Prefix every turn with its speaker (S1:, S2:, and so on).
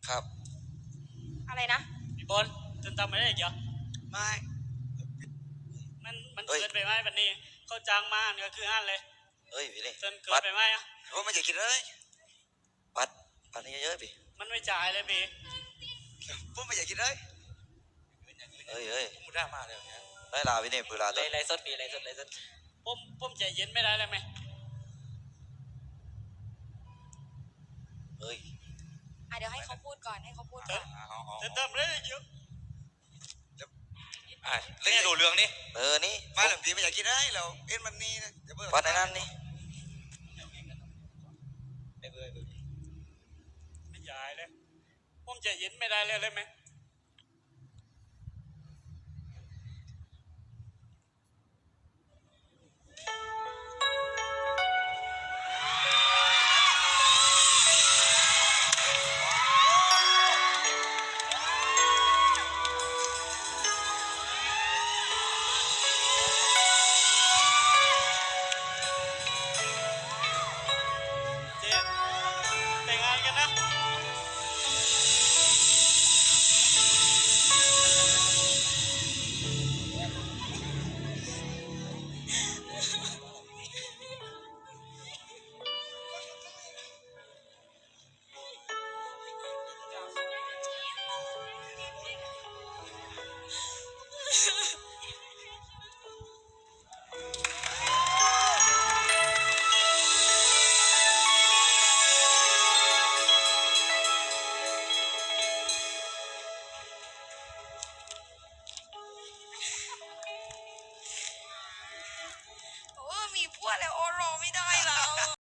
S1: ครับ
S2: อะไรนะ
S3: พี่บอลจนทำไม่ได้อีกเหรอ
S1: ไม่
S3: มันเกินไปไหมวันนี้เขาจ้างมาเนี่ยคือห้านเลย
S1: เฮ้ยพี่นี่
S3: จนเกินไปไหมอ่ะ
S1: ผมไม่อยากกินเลยปัดนี่เยอะๆพี่
S3: มันไม่จ่ายเลยพี่
S1: ผมไม่อยากกินเลยเฮ้ยมุดด้ามาเลยได้ลาพี่นี่เวลา
S4: ไรสดพี่ไรสด
S3: ผมใจเย็นไม่ได้เลยไหม
S1: เฮ้ย
S2: เดี๋ยวให้เขาพูดก่อนเ
S3: ติมเลยเยอะ
S1: เล่นดูเรื่องนี่นี่มาหลังทีไม่อยากกินได้เราเอ็นมันนี่นะปัดในนั้นนี่
S3: ไม่จ่ายเลยผมใจเย็นไม่ได้เลยไหมแต่งงานกันนะ